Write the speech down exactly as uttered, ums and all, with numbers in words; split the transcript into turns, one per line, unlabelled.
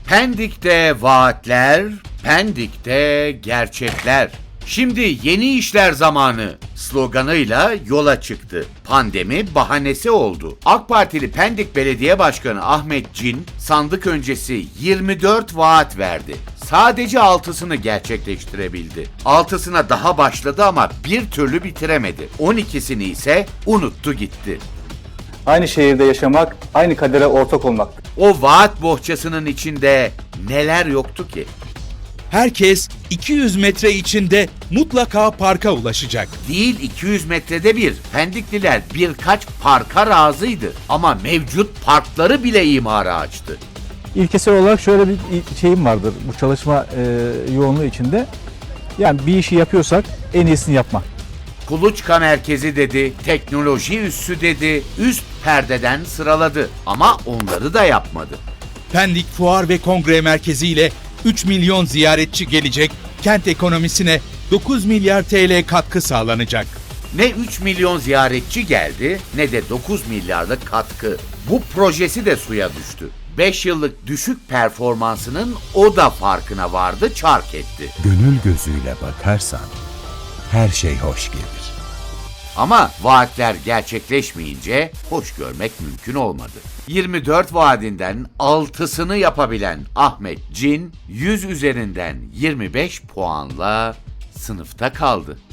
Pendik'te vaatler, Pendik'te gerçekler. Şimdi yeni işler zamanı sloganıyla yola çıktı. Pandemi bahanesi oldu. AK Partili Pendik Belediye Başkanı Ahmet Cin sandık öncesi yirmi dört vaat verdi. Sadece altısını gerçekleştirebildi. Altısına daha başladı ama bir türlü bitiremedi. on ikisini ise unuttu gitti.
Aynı şehirde yaşamak, aynı kadere ortak olmaktır.
O vaat bohçasının içinde neler yoktu ki?
Herkes iki yüz metre içinde mutlaka parka ulaşacak.
Değil iki yüz metrede bir. Pendikliler birkaç parka razıydı ama mevcut parkları bile imara açtı.
İlkesel olarak şöyle bir şeyim vardır bu çalışma e, yoğunluğu içinde. Yani bir işi yapıyorsak en iyisini yapmak.
Kuluçka merkezi dedi, teknoloji üssü dedi, üst perdeden sıraladı ama onları da yapmadı.
Pendik Fuar ve Kongre Merkezi ile üç milyon ziyaretçi gelecek, kent ekonomisine dokuz milyar T L katkı sağlanacak.
Ne üç milyon ziyaretçi geldi ne de dokuz milyarlık katkı. Bu projesi de suya düştü. beş yıllık düşük performansının o da farkına vardı, çark etti.
Gönül gözüyle bakarsan her şey hoş gelir.
Ama vaatler gerçekleşmeyince hoş görmek mümkün olmadı. yirmi dört vaadinden altısını yapabilen Ahmet Cin yüz üzerinden yirmi beş puanla sınıfta kaldı.